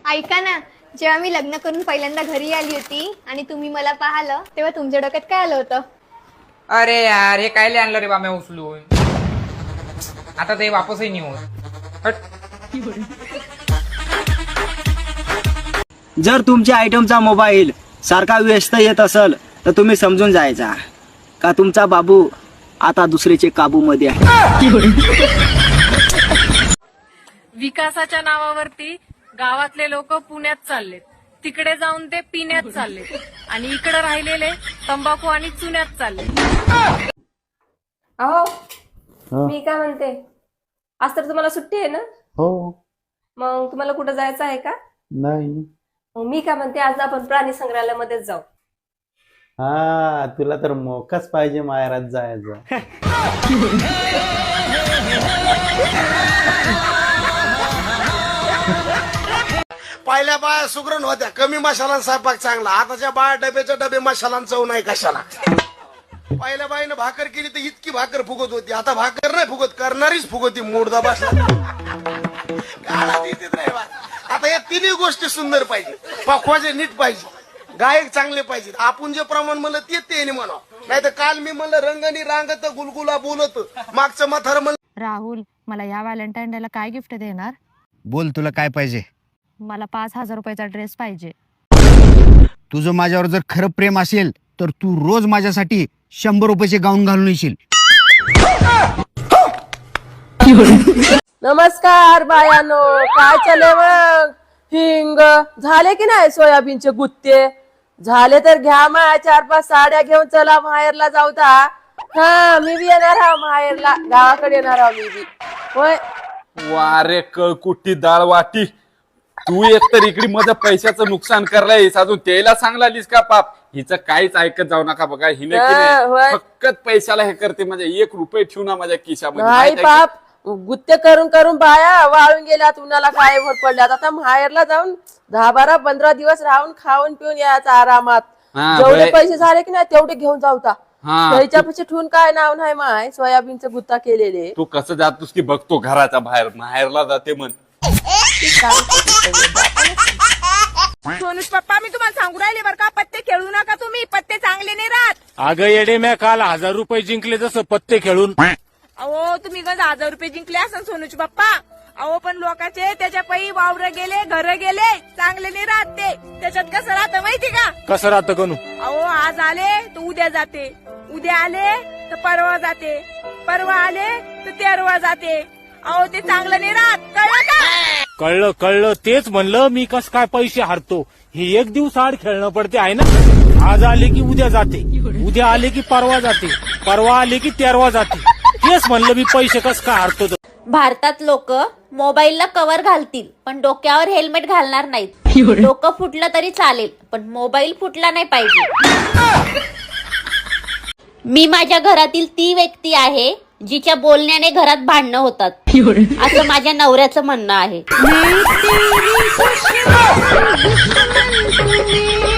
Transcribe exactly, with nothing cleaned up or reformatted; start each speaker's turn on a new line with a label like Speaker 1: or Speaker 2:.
Speaker 1: ऐका ना, जेव्हा मी लग्न करून पहिल्यांदा घरी आली होती आणि तुम्ही मला पाहिलं तेव्हा तुमच्या डोक्यात काय आलं होतं?
Speaker 2: अरे यार, हे काय आणलं रे बाम्या उचलून. आता ते वापसही नाही होत.
Speaker 3: जर तुमच्या आयटमचा मोबाईल सारखा व्यस्त येत असेल तर तुम्ही समजून जायचा का तुमचा बाबू आता दुसरीचे काबू मध्ये आहे.
Speaker 4: विकासाच्या नावावरती गावातले लोक पुण्यात चाललेत, तिकडे जाऊन ते पिण्यात चाललेत आणि इकडे राहिलेले तंबाखू आणि चुन्यात चालले.
Speaker 5: अहो मी काय म्हणते, आज तर तुम्हाला सुट्टी आहे ना?
Speaker 6: हो.
Speaker 5: मग तुम्हाला कुठं जायचं आहे का?
Speaker 6: नाही.
Speaker 5: मग मी काय म्हणते, आज आपण प्राणी संग्रहालयामध्येच जाऊ.
Speaker 6: हा, तुला तर मोकाच पाहिजे माहेरात जायचं.
Speaker 7: पहिल्या बाया सुगरण होत्या, कमी मसाला स्वयंपाक चांगला. आताच्या बाया डब्याच्या डबे मसाला चव नाही कशाला. पहिल्या बाईनं भाकर केली तर इतकी भाकर फुगत होती, आता भाकर नाही फुगत, करणारीच फुगती. मोडदा बसला आता या तिन्ही गोष्टी सुंदर पाहिजे. पखवाजे नीट पाहिजे, गायक चांगले पाहिजे. आपण जे प्रमाण म्हणलं ते ते म्हणा. नाही तर काल मी म्हणलं रंगणी रांगत गुलगुला बोलत, मागचं मथार म्हणलं.
Speaker 8: राहुल, मला या व्हॅलेंटाईन डेला काय गिफ्ट देणार?
Speaker 9: बोल, तुला काय पाहिजे?
Speaker 8: मला पाच हजार रुपयाचा ड्रेस पाहिजे.
Speaker 9: तुझं माझ्यावर जर खरं प्रेम असेल तर तू रोज माझ्यासाठी शंभर रुपयाचे गाऊन घालून येशील.
Speaker 5: नमस्कार बायानो, काय चालय मग? हिंग झाले की नाही सोयाबीनचे गुत्ते? झाले तर घ्या, मा चार पाच साड्या घेऊन चला माहेरला जाऊ. हा, मी बी येणार हा माहेरला, गावाकडे येणार हा मी बी. होय.
Speaker 10: वारे कळकुट्टी डाळ वाटी, तू एकतर इकडे माझ्या पैशाचं नुकसान करलायस, अजून त्याला सांगलालीस का पाप. हिचं काहीच ऐकत जाऊ नका बघा. हिने फक्त पैशाला हे करते, म्हणजे एक रुपये ठेवू ना माझ्या खिशामध्ये.
Speaker 5: पाप, गुत्ते करून करून बाया वाळून गेल्यात, उन्हाला काय भर पडल्यात. आता माहेरला जाऊन दहा बारा पंधरा दिवस राहून खाऊन पिऊन यायचं आरामात. जेवढे पैसे झाले की नाही तेवढे घेऊन जाऊ. त्याच्यापेक्षा ठेवून काय नाव नाही माय, सोयाबीनचे गुत्ता केलेले.
Speaker 10: तू कसं जातोस की बघतो घराच्या बाहेर, माहेरला जाते म्हण.
Speaker 4: सोनूश पप्पा, मी तुम्हाला सांगू राहिले बरं का, पत्ते खेळू नका तुम्ही, पत्ते चांगले नाही राहत.
Speaker 11: अगं येडे, मी काल हजार रुपये जिंकले जसं पत्ते खेळून.
Speaker 4: अहो तुम्ही गज हजार रुपये जिंकले असन सोनूच पप्पा. अहो पण लोकांचे त्याच्या पै वावर गेले, घर गेले, चांगले नाही राहत ते. त्याच्यात कसं राहतं माहिती का?
Speaker 11: कसं राहतं कनू?
Speaker 4: अहो आज आले तर उद्या जाते, उद्या आले तर परवा जाते, परवा आले तर तेरवा जाते. अहो ते चांगलं नाही राहत, कळलं का?
Speaker 11: कळलं कळलं, तेच म्हणलं मी कस काय पैसे हारतो. हे एक दिवस आड खेळणं पडते आहे ना. आज आले की उद्या जाते, उद्या आले की परवा जाते, परवा आले की तेरवा जाते. तेच म्हणलं मी पैसे कस काय हारतो.
Speaker 12: भारतात लोक मोबाईलला कव्हर घालतील पण डोक्यावर हेल्मेट घालणार नाहीत. डोकं फुटलं तरी चालेल पण मोबाईल फुटला नाही पाहिजे. मी माझ्या घरातील ती व्यक्ती आहे जिच्या बोलण्याने घरात भांडणं होतात, असं माझ्या नवऱ्याचं म्हणणं आहे.